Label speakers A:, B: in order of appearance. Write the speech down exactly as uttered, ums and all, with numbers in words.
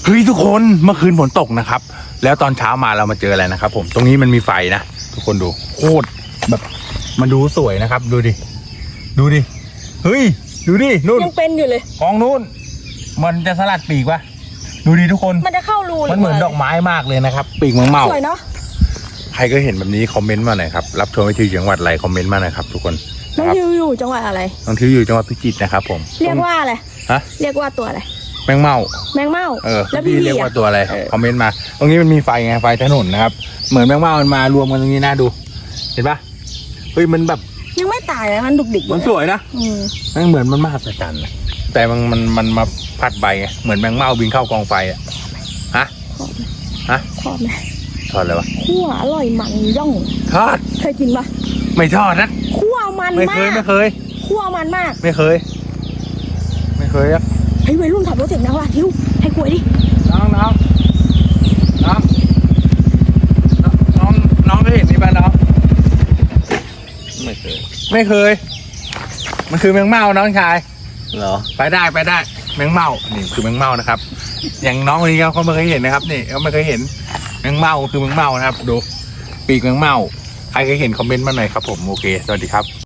A: เฮ้ยทุกคนเมื่อคืนฝนตกนะครับแล้วตอนเช้ามาเรามาเจออะไรนะครับผมตรงนี้มันมีไฟนะทุกคนดูโคตรแบบมันดูสวยนะครับดูดิดูดิเฮ้ยดูดินู่น
B: ยังเป็นอยู่เลย
A: กองนู่นมันจะสลัดปีกวะดูดิทุกคน
B: มันจะเข้ารูเลย
A: มันเหมือนดอกไม้มากเลยนะครับปีกเมืองเมา
B: สวยเนาะ
A: ใครก็เห็นแบบนี้คอมเมนต์มาหน่อยครับรับชมวิธีจังหวัดอะไรคอมเมนต์มาหน่อยครับทุกคน
B: น้อง
A: ครับ
B: ทิวอยู่จังหวัดอะไร
A: น้องทิวอยู่จังหวัดพิจิตรนะครับผม
B: เรียกว่าอะไร
A: ฮะ
B: เรียกว่าตัวอะไร
A: แมงเม่า
B: แมงเม่า
A: เออ
B: แล้ว
A: พี่
B: พี่
A: เรียก
B: อะ
A: ว่าตัวอะไร
B: เออ
A: คอมเมนต์มา ตรงนี้มันมีไฟไงไฟถนนนะครับเหมือนแมงเม่ามันมารวมกันตรงนี้นะดู เห็นปะเฮ้ยมันแบบ
B: ยังไม่ตายเลยมันดุกดิก
A: มันสวยนะ
B: อืม
A: มันเหมือนมันมหัศจรรย์นะแต่มันมันมันมาพัดใบไงเหมือนแมงเม่าบินเข้ากองไฟอ่ะฮะฮะ
B: ทอดไหม
A: ทอดอะไรวะ
B: คั่วอร่อยมันย่อง
A: ทอด
B: เคยกินปะ
A: ไม่ทอดนะ
B: คั่วมัน
A: ไม่
B: มา
A: เคย
B: ก
A: ไม่เคย
B: คั่วมันมาก
A: ไม่เคย ไม่เคยอะ
B: เฮ้ยวัยรุ่นขับรถเสียงดังว่ะทิวให้กล้วยดิ
A: น้องน้องน้องน้องน้องเคยเห็นนี่ป่ะน้องไม่เคย ไม่เคย มันคือแมงเม่าน้องชายเหรอไปได้ไปได้แมงเม่านี่คือแมงเม่านะครับ อย่างน้องคนนี้เขาไม่เคยเห็นนะครับนี่เขาไม่เคยเห็นแมงเม่าคือแมงเม่านะครับดูปีกแมงเม่าใครเคยเห็นคอมเมนต์มาหน่อยครับผมโอเคสวัสดีครับ